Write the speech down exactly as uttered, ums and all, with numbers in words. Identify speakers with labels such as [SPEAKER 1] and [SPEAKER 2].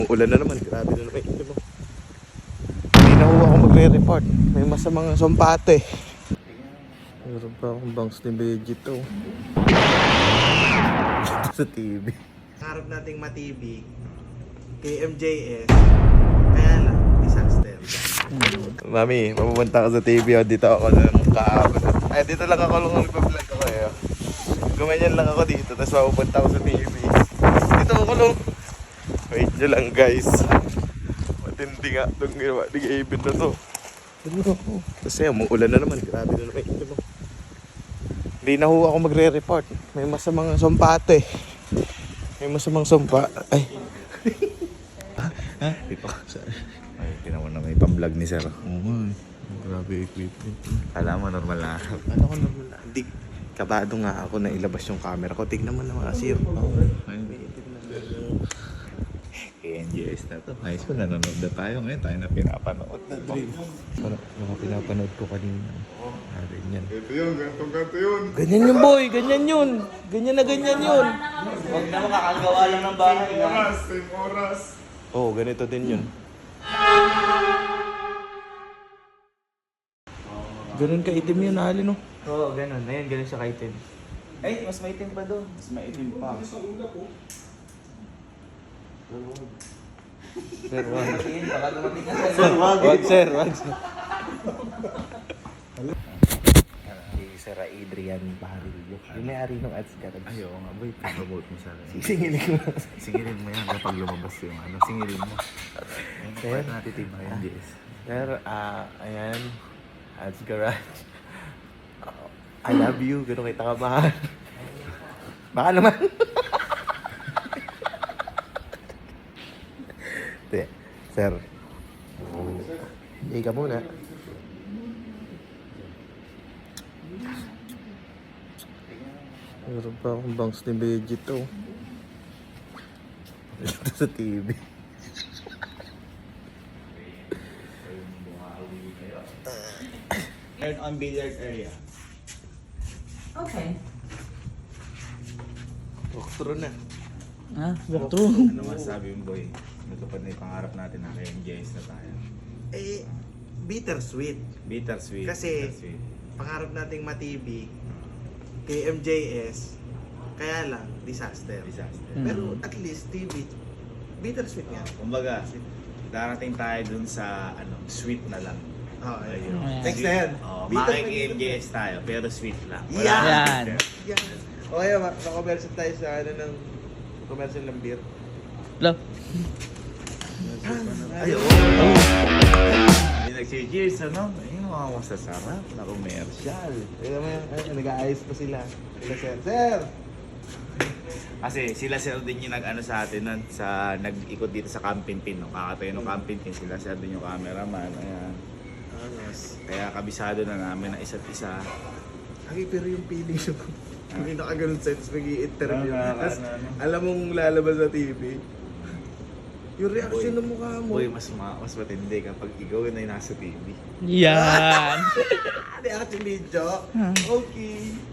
[SPEAKER 1] Ulan na naman, grabe na naman ito mo. Hindi na ho ako magre-report. May masamang sampate. Meron pa akong bangs ni Vegito. Dito sa T V. Harap nating ma-T V. K M J S. Kaya lang, disaster. Mami, mapupunta ako sa T V. O, dito ako ng kahapon. Ay, dito lang ako lang nagpa-vlog ako eh. Gumanyan lang ako dito, tapos mapupunta ako sa T V. Dito ako lang. Wait nyo lang guys. Matindi nga itong ginawa ni Gavin na to. Kasi umuulan na naman, grabe na naman ito mo. Hindi na ho ako magre-report. May masamang sampate. May masamang sumpa. Ay. Ha? Dito. Ay, tinaman na may pang-vlog ni sir. Oo man. Grabe equipment. Alam mo, normal na. Ano ko normal na? Hindi. Kabado nga ako na ilabas yung camera ko. Tignan mo naman sir. Oo. Ay, K N J S na to. High school, nanonood na tayo ngayon. Tayo na pinapanood na drill. Para mga pinapanood ko kanina. Ah, ganyan.
[SPEAKER 2] Ito yun, gantong ganto yun.
[SPEAKER 1] Ganyan yun boy, ganyan yun. Ganyan na ganyan yun.
[SPEAKER 3] Huwag na makakagawa lang ng bahay.
[SPEAKER 2] Same oras, same oras.
[SPEAKER 1] Oo, oh, ganito din yun. Ganun kaitim yun, Ali no?
[SPEAKER 3] Oo, ganun. Ayun, ganun siya kaitim. Ay, mas maitim pa doon. Mas maitim pa.
[SPEAKER 1] Sir, wag.
[SPEAKER 3] Baka dumating ka sa
[SPEAKER 1] Sir, wag. Wag, sir, wag. Si Sir Adrian Barillo. Yung may-ari ng ads ka.
[SPEAKER 2] Ay, oo nga, boy. Pag-promote mo sa akin.
[SPEAKER 1] Sisingilin ko.
[SPEAKER 2] Singilin mo yan kapag lumabas yung ano. Singilin mo. Ayun,
[SPEAKER 1] Sir?
[SPEAKER 2] pwede natin team K N J S.
[SPEAKER 1] Sir, ah, ayan. Ads Garage. I love you. Ganun kita ka mahal. Baka naman. Hindi. Sir. Hindi ka muna. Meron pa akong bangs ni Vegito. Dito sa T V.
[SPEAKER 3] Turn on billiard area.
[SPEAKER 4] Okay.
[SPEAKER 1] Walkthrough na.
[SPEAKER 4] Ah, walkthrough.
[SPEAKER 2] Ano masasabi mo, boy? Natupad na yung pangarap natin na K N J S na tayo.
[SPEAKER 1] Eh, bittersweet.
[SPEAKER 2] Bittersweet.
[SPEAKER 1] Kasi-
[SPEAKER 2] bittersweet.
[SPEAKER 1] Pangarap nating ma-T V, K M J S, kaya lang, disaster.
[SPEAKER 2] Disaster.
[SPEAKER 4] Mm.
[SPEAKER 1] Pero at least T V, bittersweet nga.
[SPEAKER 2] Kumbaga, darating tayo dun sa ano, sweet na lang.
[SPEAKER 1] Oh, ayun.
[SPEAKER 2] Ayun.
[SPEAKER 4] Ayan.
[SPEAKER 1] Next na yan.
[SPEAKER 2] Oh,
[SPEAKER 1] Bittersweet.
[SPEAKER 2] Maki-K N J S tayo, pero sweet lang. Wala
[SPEAKER 1] Yan!
[SPEAKER 4] Yan.
[SPEAKER 1] Yan. O kaya, ma-commercial tayo sa ano ng commercial ng beer.
[SPEAKER 4] Hello.
[SPEAKER 1] Ayun.
[SPEAKER 2] Hindi nag-cheers, ano? Ayun, mga masasarap na commercial.
[SPEAKER 1] Kaya mo yan, ay, nag-aayos pa sila. Sila, sir. Sir!
[SPEAKER 2] Kasi sila sir din yung nag-ano sa atin nun, sa nag-ikot dito sa Camping Pin. No? Kakatayo ng Camping Pin, sila sir din yung cameraman. Ayan.
[SPEAKER 1] Angas.
[SPEAKER 2] Kaya kabisado na namin na isa't isa.
[SPEAKER 1] Ay, pero yung feeling ko, hindi nakaganon sa'yo, tapos mag-i-interview.
[SPEAKER 2] Ah,
[SPEAKER 1] Tapos,
[SPEAKER 2] ano, ano.
[SPEAKER 1] alam mong lalabas sa T V. Yung reaction
[SPEAKER 2] Boy.
[SPEAKER 1] ng mukha mo.
[SPEAKER 2] Boy, mas, ma mas matindi kapag ikaw na yung nasa T V.
[SPEAKER 4] Yan.
[SPEAKER 1] Reaction video.
[SPEAKER 4] Huh.
[SPEAKER 1] Okay.